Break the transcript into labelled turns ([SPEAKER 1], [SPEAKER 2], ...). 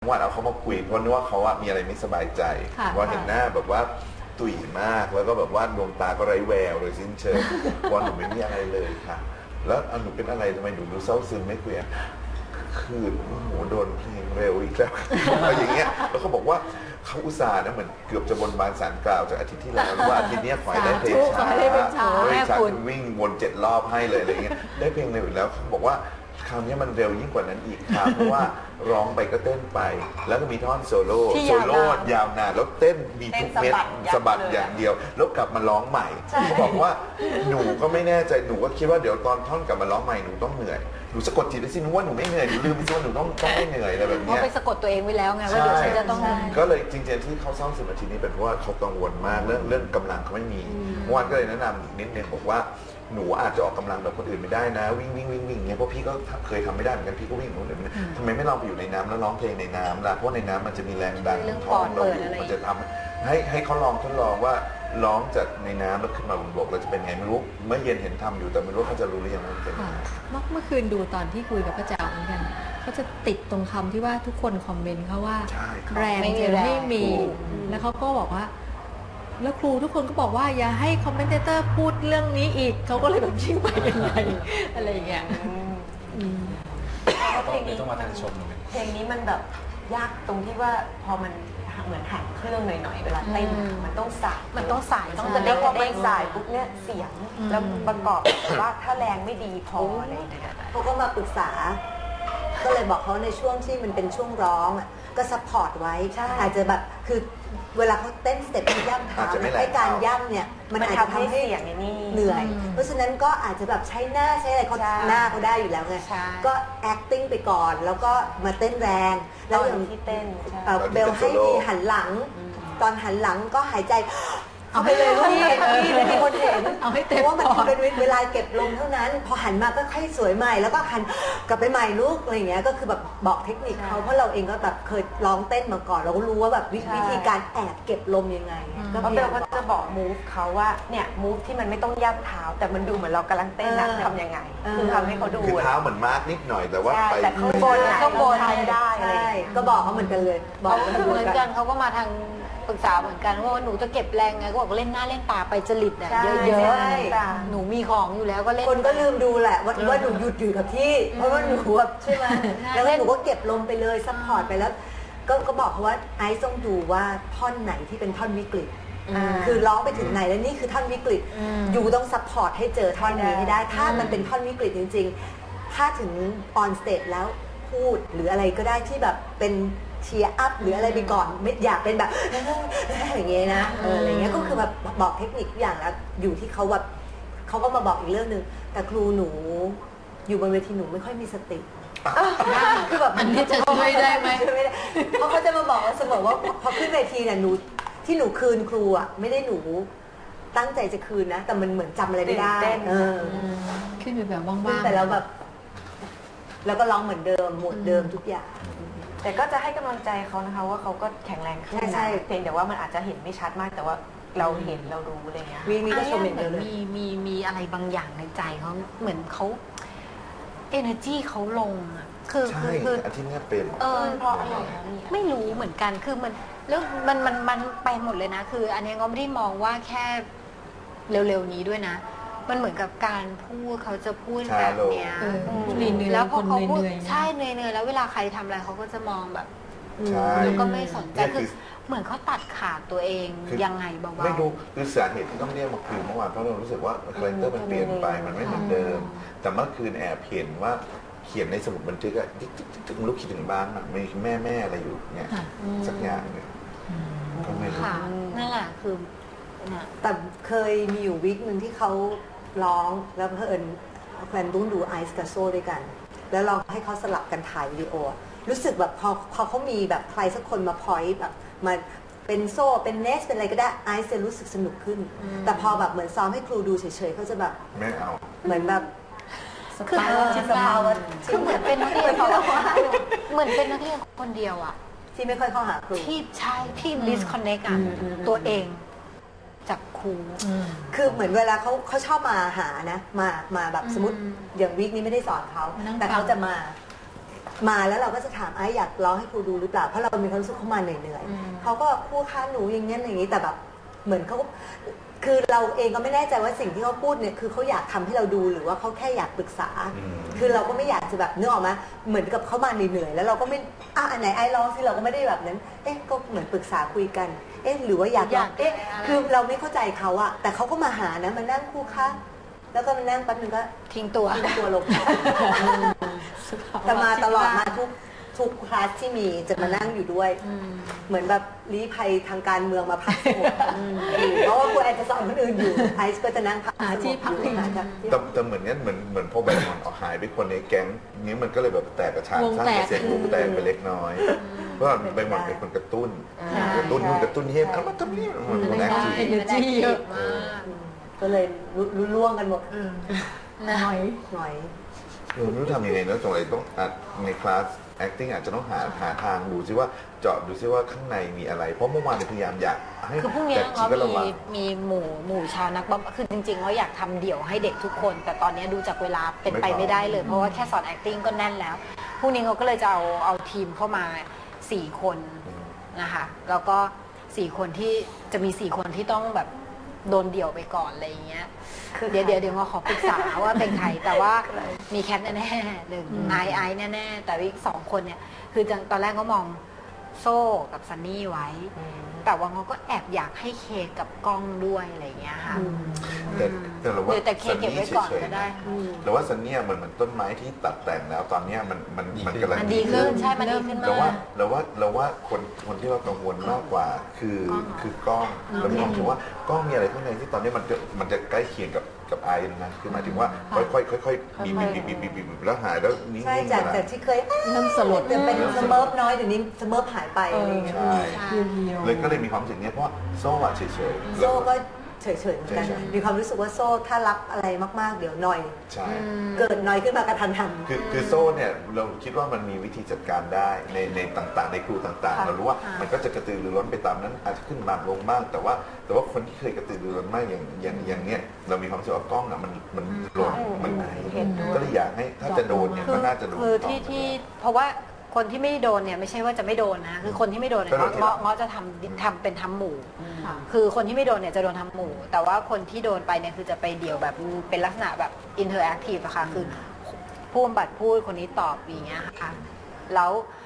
[SPEAKER 1] วันเอาเขามาคุยเพราะนึกว่าเขาอะมีอะไรไม่สบายใจว่าเห็นหน้าแบบว่าตุ๋ยมากแล้วก็แบบว่าดวงตาก็ไร้แววโดยสิ้นเชิงว่าหนูไม่มีอะไรเลยค่ะแล้วหนูเป็นอะไรทำไมหนูดูเศร้าซึมไม่คุยคือโหโดนเพลงเร็วอีกแล้วอะไรอย่างเงี้ยแล้วเขาบอกว่าเขาอุตส่าห์นะเหมือนเกือบจะบนบานศาลกล่าวจากอาทิตย์ที่แล้วว่าอาทิตย์นี้ขอให้ได้เพลงช้าวิ่งวน7 รอบให้เลยอะไรเงี้ยได้เพลงเร็วอีกแล้วเขาบอกว่าคราวนี้มันเร็วยิ่งกว่านั้นอีกค่ะเพราะว่าร้องไปก็เต้นไปแล้วก็มีท่อนโซโล่ยาวนานแล้วเต้นมีทุกเม็ดสะบัดอย่างเดียวแล้วกลับมาร้องใหม่เขาบอกว่าหนูก็ไม่แน่ใจหนูก็คิดว่าเดี๋ยวตอนท่อนกลับมาร้องใหม่หนูต้องเหนื่อยหนูสะกดจิตได้สิหนูว่าหนูไม่เหนื่อยหนูลืมไปสิว่าหนูต้องไม่เหนื่อยอะไรแบบนี้
[SPEAKER 2] เพราะไปสะกดตัวเองไว้แล้วไงว่าเดี๋ยวฉันจะต้อง
[SPEAKER 1] ก็เลยจริงๆที่เขาเศร้าซึมอาทิตย์นี้เป็นเพราะว่าเขากังวลมากเรื่องกำลังเขาไม่มีเมื่อวานก็เลยแนะนำนิดนึงบอกว่าหนูอาจจะออกกำลังแบบคนอื่นไม่ได้นะวิ่งเนี่ยเพราะพี่ก็เคยทำไม่ได้เหมือนกันพี่ก็วิ่งคนอื่นทำไมไม่ลองไปอยู่ในน้ำแล้วร้องเพลงในน้ำล่ะเพราะในน้ำมันจะมีแรงดันท้องเราอยู่มันจะทำให้เขาลองทดลองว่าร้องจากในน้ำแล้วขึ้นมาบนบกเราจะเป็นไงไม่รู้เมื่อเย็นเห็นทำอยู่แต่ไม่รู้เขาจะรู้หรือยังว่าเป็น
[SPEAKER 3] เมื่อคืนดูตอนที่คุยกับป้าแจ๋วเหมือนกันเขาจะติดตรงคำที่ว่าทุกคนคอมเมนต์เขาว่าแรงไม่มีแล้วเขาก็บอกว่าแล้วครูทุกคนก็บอกว่าอย่าให้คอมเมนเตอร์พูดเรื่องนี้อีกเขาก็เลยแบบชิ่งไปกันใหญ่อะไรอย่างเงี้ย
[SPEAKER 4] เพลงนี้ต้องมาทางชมเพลงนี้มันแบบยากตรงที่ว่าพอมันเหมือนหันเครื่องหน่อยๆเวลาเต้นมันต้องสายต้องจะได้พอมันสายปุ๊บเนี่ยเสียงแล้วประกอบว่าถ้าแรงไม่ดีพออะไรอย่างเงี้ย
[SPEAKER 5] เขาก็มาปรึกษาก็เลยบอกเขาในช่วงที่มันเป็นช่วงร้องอ่ะก็ซัพพอร์ตไว้อาจจะแบบคือเวลาเขาเต้นสเต็ปย่ำเท้าให้การย่ำเนี่ยมันอาจจะทำให้เสียงเหนื่อยเพราะฉะนั้นก็อาจจะแบบใช้หน้าใช้อะไรเขาหน้าเขาได้อยู่แล้วไงก็ acting ไปก่อนแล้วก็มาเต้นแรงแล้วอย่างที่เต้นเบลให้ทีหันหลังตอนหันหลังก็หายใจเอาไปเลยลูกพี่มีคนเห็น
[SPEAKER 3] เอาให้เต็ม
[SPEAKER 5] เพราะว่ามันเป็นเวลาเก็บลมเท่านั้นพอหันมาก็ค่อยสวยใหม่แล้วก็หันกลับไปใหม่ลูกอะไรอย่างเงี้ยก็คือแบบบอกเทคนิคเขาเพราะเราเองก็แบบเคยร้องเต้นมาก่อนเราก็รู้ว่าแบบวิธีการแอบเก็บลมยังไง
[SPEAKER 4] ก็เบลก็จะบอกมูฟเขาว่าเนี่ยมูฟที่มันไม่ต้องย่ำเท้าแต่มันดูเหมือนเรากำลังเต้นนะทำยังไงคือทำให้เขาดู
[SPEAKER 1] คือเท้าเหมือนมาร์กนิดหน่อยแต่ว่าไป
[SPEAKER 4] ข้างบนได้
[SPEAKER 5] ก็บอกเขาเหมือนกันเลยบอก
[SPEAKER 2] เหมือนกันเขาก็มาทางปรึกษาเหมือนกันว่าหนูจะเก็บแรงไงก็บอกเล่นหน้าเล่นตาไปจริตเนี่ยเยอะๆหนูมีของอยู่แล้วก็เล่น
[SPEAKER 5] คนก็ลืมดูแหละว่าหนูหยุดอยู่กับที่เพราะว่าหนูใช่ไหมแล้วหนูก็เก็บลมไปเลยซัพพอร์ตไปแล้วก็บอกเขาว่าไอซ์ต้องดูว่าท่อนไหนที่เป็นท่อนวิกฤตคือร้องไปถึงไหนแล้วนี่คือท่อนวิกฤตอยู่ต้องซัพพอร์ตให้เจอท่อนนี้ให้ได้ถ้ามันเป็นท่อนวิกฤตจริงๆถ้าถึงออนสเตจแล้วพูดหรืออะไรก็ได้ที่แบบเป็นเชียร์อัพหรืออะไรไปก่อนไม่อยากเป็นแบบอย่างเงี้ยนะอะไรเงี้ยก็คือแบบบอกเทคนิคอย่างแล้วอยู่ที่เขาแบบเขาก็มาบอกอีกเรื่องนึงแต่ครูหนูอยู่บนเวทีหนูไม่ค่อยมีสติคือแบบ
[SPEAKER 3] อันนี้จะช่วยได้ไหม
[SPEAKER 5] เพราะเขาจะมาบอกเสมอว่าพอขึ้นเวทีเนี่ยหนูที่หนูคืนครูอ่ะไม่ได้หนูตั้งใจจะคืนนะแต่มันเหมือนจำอะไรไม่ได้
[SPEAKER 3] ขึ้นแบบว่างๆ
[SPEAKER 5] แต่แล้วแบบแล้วก็ร้องเหมือนเดิมหมวดเดิมทุกอย่าง
[SPEAKER 4] แต่ก็จะให้กำลังใจเขานะคะว่าเขาก็แข็งแรงขึ้นนะเพียงแต่ว่ามันอาจจะเห็นไม่ชัดมากแต่ว่าเราเห็นเรารู้อะไรเงี้ย
[SPEAKER 5] มีก็ชมอย่างเดียวเลย
[SPEAKER 2] มีอะไรบางอย่างในใจเขาเหมือนเขา energy เขาลงอ่ะ
[SPEAKER 1] คืออาทิตย์นี้เป็น
[SPEAKER 2] เพราะอะไรไม่รู้เหมือนกันคือมันแล้วมันไปหมดเลยนะคืออันนี้ก็ไม่ได้มองว่าแค่เร็วๆนี้ด้วยนะมันเหมือนกับการพูดเขาจะพูดแบบเนี้ยแล้วพอเขาพูดใช่เหนื่อยแล้วเวลาใครทำอะไรเขาก็จะมองแบบแล้วก็ไม่สนใจคือเหมือนเขาตัดขาดตัวเองยังไงเบาๆ
[SPEAKER 1] ไม่รู้คือสาเหตุที่ต้องเรียกมาคุยเมื่อวานเพราะเรารู้สึกว่าคาแรคเตอร์มันเปลี่ยนไปมันไม่เหมือนเดิมแต่เมื่อคืนแอบเห็นว่าเขียนในสมุดบันทึกอะจิ๊กลูกคิดถึงบ้านมีแม่อะไรอยู่เนี่ยสักอย่างเนี่ยก็ไม่รู้
[SPEAKER 2] นั่นแหละคือ
[SPEAKER 5] แต่เคยมีอยู่วิกหนึ่งที่เขาร้องแล้วเพื่อนแฟนรุ่นดูไอซ์กับโซ่ด้วยกันแล้วเราให้เขาสลับกันถ่ายวิดีโอรู้สึกแบบพอเขามีแบบใครสักคนมาพอยต์แบบมาเป็นโซ่เป็นเนสเป็นอะไรก็ได้ไอซ์จะรู้สึกสนุกขึ้นแต่พอแบบเหมือนซ้อมให้ครูดูเฉยๆเขาจะแบบ
[SPEAKER 1] ไม่เอา
[SPEAKER 5] เหมือนแบบ
[SPEAKER 2] คือเหมือนเป็นนักเรียนเหมือนเป็นนักเรียนคนเดียวอ่ะ
[SPEAKER 5] ที่ไม่ค่อยเข้าหาครู
[SPEAKER 2] ที่ใช่ที่ disconnect อ่ะตัวเองจากครู
[SPEAKER 5] คือเหมือนเวลาเขาชอบมาหานะมาแบบสมมติอย่างวิกนี้ไม่ได้สอนเขาแต่เขาจะมามาแล้วเราก็จะถามไอ้อยากร้องให้ครูดูหรือเปล่าเพราะเรามีความรู้สึกเขามาเหนื่อยๆเขาก็ครูคะหนูอย่างนี้อย่างนี้แต่แบบเหมือนเขาคือเราเองก็ไม่แน่ใจว่าสิ่งที่เขาพูดเนี่ยคือเขาอยากทำให้เราดูหรือว่าเขาแค่อยากปรึกษาคือเราก็ไม่อยากจะแบบนึกออกมาเหมือนกับเขามาเหนื่อยๆแล้วเราก็ไม่อันไหนไอ้ร้องสิเราก็ไม่ได้แบบนั้นก็เหมือนปรึกษาคุยกันหรือว่าอยากร้องคือเราไม่เข้าใจเขาอะแต่เขาก็มาหานะมานั่งครูคะแล้วก็มานั่งแป๊บนึงก็
[SPEAKER 2] ทิ้งตัว
[SPEAKER 5] ลงแต่มาตลอดมาทุกคลาสที่มีจะมานั่งอยู่ด้วยเหมือนแบบลี้ภัยทางการเมืองมาพักสงบเพราะว่าครูแอนจะสอนคนอื่นอยู่ไอซ์ก็จะนั่งพักที่พักอยู่
[SPEAKER 1] แต่เหมือนงั้นเหมือนพอแบงค์มันหายไปคนในแก๊งนี้มันก็เลยแบบแตกกระชากสร้างเสียงวงแตกไปเล็กน้อยเพราะแบงค์มันเป็นคนกระตุ้นนู่นกระตุ้นนี่เอามาทำนี่มันแอคทีฟ
[SPEAKER 2] เยอะมาก
[SPEAKER 5] ก็เลยล่วงกันหมด
[SPEAKER 3] หน่อย
[SPEAKER 1] ไม่รู้ทำยังไงนะตรงไหนต้องในคลาส acting อาจจะต้องหาทางดูซิว่าเจาะดูซิว่าข้างในมีอะไรเพราะเมื่อวานพยายามอยากให้
[SPEAKER 2] คือพรุ่งนี้เขามีหมู่ชาวนักบอลคือจริงๆเขาอยากทำเดี่ยวให้เด็กทุกคนแต่ตอนนี้ดูจากเวลาเป็นไปไม่ได้เลยเพราะว่าแค่สอน acting ก็แน่นแล้วพรุ่งนี้เขาก็เลยจะเอาทีมเข้ามา4 คนนะคะแล้วก็4 คนที่จะมี4 คนที่ต้องแบบโดนเดี่ยวไปก่อนอะไรอย่างเงี้ยเดี๋ยวเราขอปรึกษาว่าเป็นใครแต่ว่ามีแคทแน่ๆหนึ่งไอซ์แน่ๆแต่อีก2 คนเนี่ยคือตอนแรกก็มองโซ่กับซันนี่ไว้แต่ว่าเขาก็แอบอยากให้เคกับกล้องด้วยอะไรอย่างเงี้ยค่ะ
[SPEAKER 1] แต่เราว่า
[SPEAKER 2] แต่เคเก็บไว้ก่อนก็ได้
[SPEAKER 1] แต่ว่าซันนี่เหมือนต้นไม้ที่ตัดแต่งแล้วตอนนี้มันกำลัง
[SPEAKER 2] ดีขึ้นใช่มันดีขึ้นมาก
[SPEAKER 1] เราว่าคนที่เรากังวลมากกว่าคือกล้องเรามองถึงว่ากล้องมีอะไรข้างในที่ตอนนี้มันจะใกล้เคียงกับไอนะคือหมายถึงว่าค่อยบีบแล้วหายแล้วนิ่งๆ
[SPEAKER 5] ใช่จากที่เคย
[SPEAKER 3] เริ่มสลด
[SPEAKER 5] เป็นสเมิร์ฟน้อยเดี๋ยวนี้สเมิร์ฟหายไปอะไรอย่างเงี้ย
[SPEAKER 1] เลยก็เลยมีความรู้สึกนี้เพราะโซ่เฉย
[SPEAKER 5] ๆโซ่ก็เฉยๆเหมือนกันมีความรู้สึกว่าโซ่ถ้ารับอะไรมากๆเดี๋ยวหน่อยเกิดหน่อยขึ้นมากระทันหัน
[SPEAKER 1] คือโซ่เนี่ยเราคิดว่ามันมีวิธีจัดการได้ในต่างๆในครูต่างๆเรารู้ว่ามันก็จะกระตือรือร้นไปตามนั้นอาจจะขึ้นบ้างลงบ้างแต่ว่าคนที่เคยกระตือรือร้นมากอย่างเนี้ยเรามีความรู้สึกว่ากล้องอ่ะมันหล่นมันไหนก็เลยอยากให้ถ้าจะโดนเนี่ยก็น่าจะโดน
[SPEAKER 2] คือที่เพราะว่าคนที่ไม่โดนเนี่ยไม่ใช่ว่าจะไม่โดนนะคือคนที่ไม่โดนเนี่ยเงาะจะทำเป็นทำหมู่คือคนที่ไม่โดนเนี่ยจะโดนทำหมู่แต่ว่าคนที่โดนไปเนี่ยคือจะไปเดี่ยวแบบเป็นลักษณะแบบอินเทอร์แอคทีฟอะค่ะคือผู้บำบัดพูดคนนี้ตอบอย่างเงี้ยค่ะแล้ว